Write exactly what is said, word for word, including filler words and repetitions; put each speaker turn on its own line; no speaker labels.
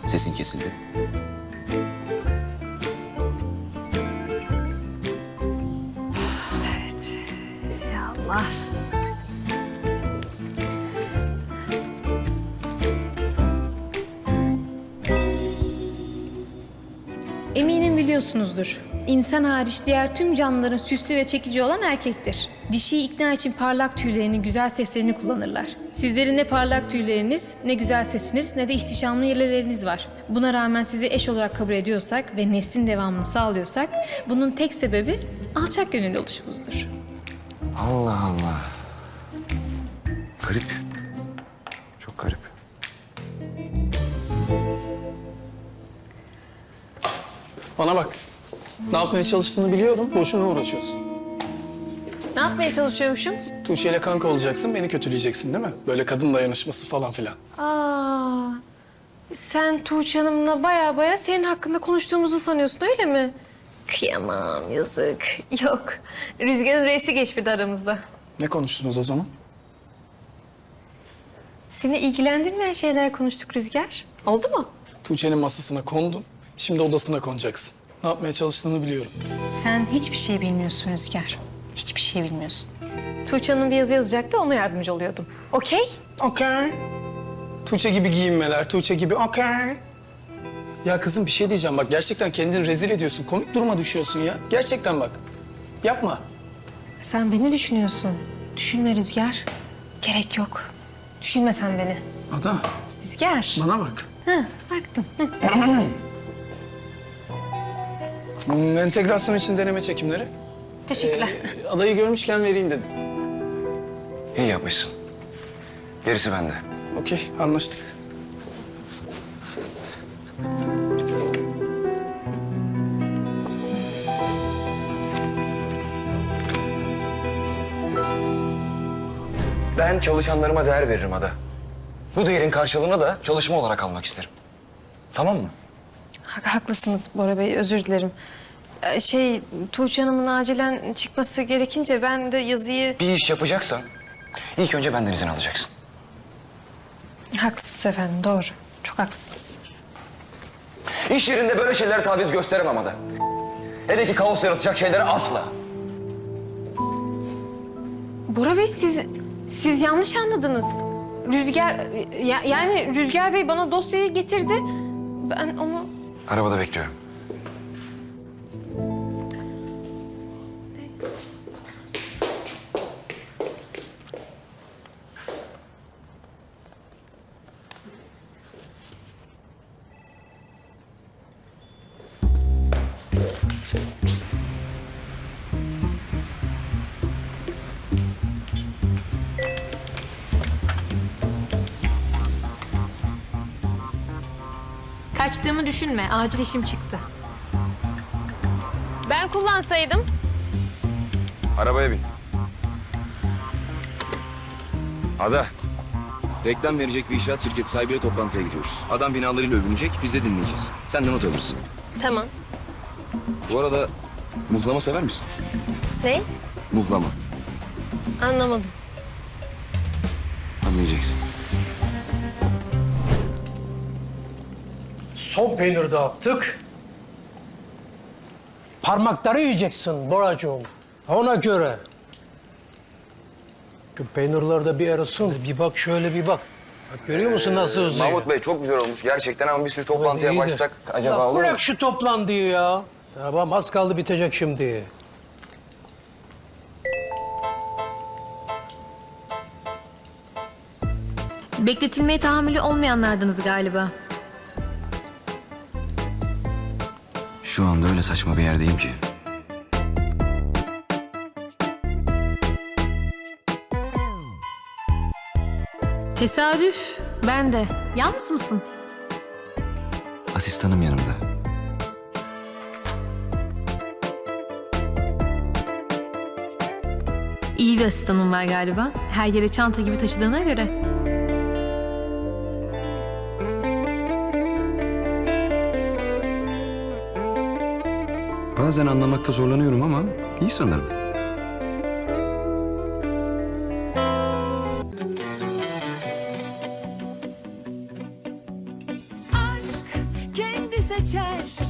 Sesin kesildi.
Evet. Ya Allah.
Eminim biliyorsunuzdur. İnsan hariç diğer tüm canlıların süslü ve çekici olan erkektir. Dişiyi ikna için parlak tüylerini, güzel seslerini kullanırlar. Sizlerin ne parlak tüyleriniz, ne güzel sesiniz, ne de ihtişamlı yeleleriniz var. Buna rağmen sizi eş olarak kabul ediyorsak ve neslin devamını sağlıyorsak, bunun tek sebebi alçak gönüllü oluşumuzdur.
Allah Allah. Garip. Çok garip.
Bana bak. Ne yapmaya çalıştığını biliyorum. Boşuna uğraşıyorsun.
Ne yapmaya çalışıyormuşum?
Tuğçe ile kanka olacaksın, beni kötüleyeceksin değil mi? Böyle kadın dayanışması falan filan.
Aa, sen Tuğçe Hanım'la baya baya senin hakkında konuştuğumuzu sanıyorsun öyle mi? Kıyamam, yazık. Yok, Rüzgar'ın reisi geçmedi aramızda.
Ne konuştunuz o zaman?
Seni ilgilendirmeyen şeyler konuştuk Rüzgar. Oldu mu?
Tuğçe'nin masasına kondun. Şimdi odasına konacaksın. Ne yapmaya çalıştığını biliyorum.
Sen hiçbir şey bilmiyorsun Rüzgar. Hiçbir şey bilmiyorsun. Tuğçe Hanım bir yazı yazacaktı, ona yardımcı oluyordum. Okey?
Okey. Tuğçe gibi giyinmeler, Tuğçe gibi okey. Ya kızım bir şey diyeceğim bak. Gerçekten kendini rezil ediyorsun. Komik duruma düşüyorsun ya. Gerçekten bak. Yapma.
Sen beni düşünüyorsun. Düşünme Rüzgar. Gerek yok. Düşünme sen beni.
Ada,
Rüzgar.
bana bak.
Hı, baktım. Hı.
Hmm, entegrasyon için deneme çekimleri.
Teşekkürler.
Ee, adayı görmüşken vereyim dedim.
İyi yapmışsın. Gerisi bende.
Okey, anlaştık.
Ben çalışanlarıma değer veririm Ada. Bu değerin karşılığını da çalışma olarak almak isterim. Tamam mı?
Ha- Haklısınız Bora Bey, özür dilerim. Ee, Şey, Tuğçe Hanım'ın acilen çıkması gerekince ben de yazıyı...
Bir iş yapacaksan ilk önce benden izin alacaksın.
Haklısınız efendim, doğru. Çok haklısınız.
İş yerinde böyle şeylere taviz gösteremem Ada. Hele ki kaos yaratacak şeylere asla.
Bora Bey, siz siz yanlış anladınız. Rüzgar, ya- yani Rüzgar Bey bana dosyayı getirdi. Ben onu...
Arabada bekliyorum.
Kaçtığımı düşünme, acil işim çıktı. Ben kullansaydım...
Arabaya bin. Ada. Reklam verecek bir inşaat şirketi sahibiyle toplantıya gidiyoruz. Adam binalarıyla övünecek, biz de dinleyeceğiz. Sen de not alırsın.
Tamam.
Bu arada muhlama sever misin?
Ne?
Muhlama.
Anlamadım.
Anlayacaksın.
Son peynir dağıttık. Parmakları yiyeceksin Boracığım. Ona göre. Şu peynirler de bir arasın. Bir bak şöyle bir bak. Bak görüyor musun nasıl uzuyor?
Mahmut Bey çok güzel olmuş gerçekten ama bir sürü toplantıya
İyidir.
başlasak acaba
Ya
olur mu?
bırak şu toplantıyı ya. Tamam az kaldı bitecek şimdi.
Bekletilmeye tahammülü olmayanlardınız galiba.
Şu anda öyle saçma bir yerdeyim ki.
Tesadüf. Ben de. Yalnız mısın?
Asistanım yanımda.
İyi bir asistanım var galiba. Her yere çanta gibi taşıdığına göre.
Bazen anlamakta zorlanıyorum ama iyi sanırım.
Aşk geçer